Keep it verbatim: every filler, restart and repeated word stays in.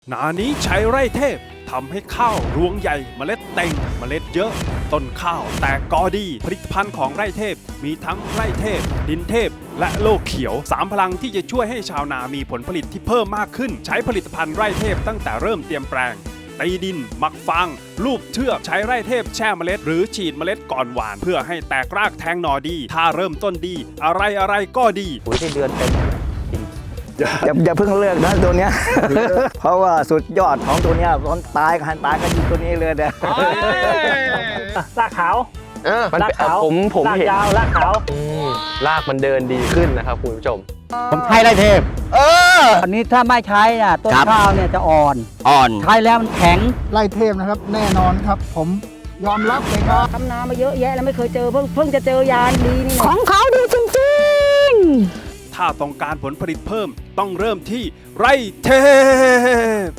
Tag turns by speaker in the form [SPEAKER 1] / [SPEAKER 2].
[SPEAKER 1] นานี้ใช้ไร่เทพทำให้ข้าวรวงใหญ่เมล็ดเต็งเมล็ดเยอะ ต้นข้าวแตกกอดีผลิตภัณฑ์ของไร่เทพมีทั้งไร่เทพ ดินเทพ และโลกเขียวสามพลังที่จะช่วยให้ชาวนามีผลผลิตที่เพิ่มมากขึ้น ใช้ผลิตภัณฑ์ไร่เทพตั้งแต่เริ่มเตรียมแปลงตีดินหมักฟางลูบเชือกใช้ไร่เทพแช่เมล็ดหรือฉีดเมล็ดก่อนหว่าน เพื่อให้แตกรากแทงหน่อดี ถ้าเริ่มต้นดี อะไรอะไรก็ดี
[SPEAKER 2] ปุ๋ยที่เดือนเต็ม
[SPEAKER 3] อย่าอย่าเพิ่งเลือกนะตัวเนี้ย เพราะว่าสุดยอดของตัวเนี้ยตอนตายกันตายก็อยู่ตัวนี้เลยเนี่ย
[SPEAKER 4] ลากขาว
[SPEAKER 2] เออมัน
[SPEAKER 4] ลาก
[SPEAKER 2] เป็น
[SPEAKER 4] ขาว
[SPEAKER 2] ผมผม
[SPEAKER 4] ลาก
[SPEAKER 2] เห็น
[SPEAKER 4] ยาวลากขาว
[SPEAKER 2] อืมรากมันเดินดีขึ้นนะครับคุณผู้ชม
[SPEAKER 5] ผมใช้ไรเทพ
[SPEAKER 3] เออ
[SPEAKER 5] อันนี้ถ้าไม่ใช้น่ะต้น
[SPEAKER 3] ครับ
[SPEAKER 5] ข้าวเนี่ยจะอ่อน
[SPEAKER 3] อ่อน
[SPEAKER 5] ใช้แล้วมันแข็ง
[SPEAKER 6] ไล่เทพนะครับแน่นอนครับ ผมยอมรับเลยครับ
[SPEAKER 7] ทำนามาเยอะแยะแล้วไม่เคยเจอเพิ่งเพิ่งจะเจอยานดีนี่
[SPEAKER 8] ของเขาดีจริงๆ
[SPEAKER 1] ถ้าต้องการผลผลิตเพิ่มต้องเริ่มที่ไร่เทพ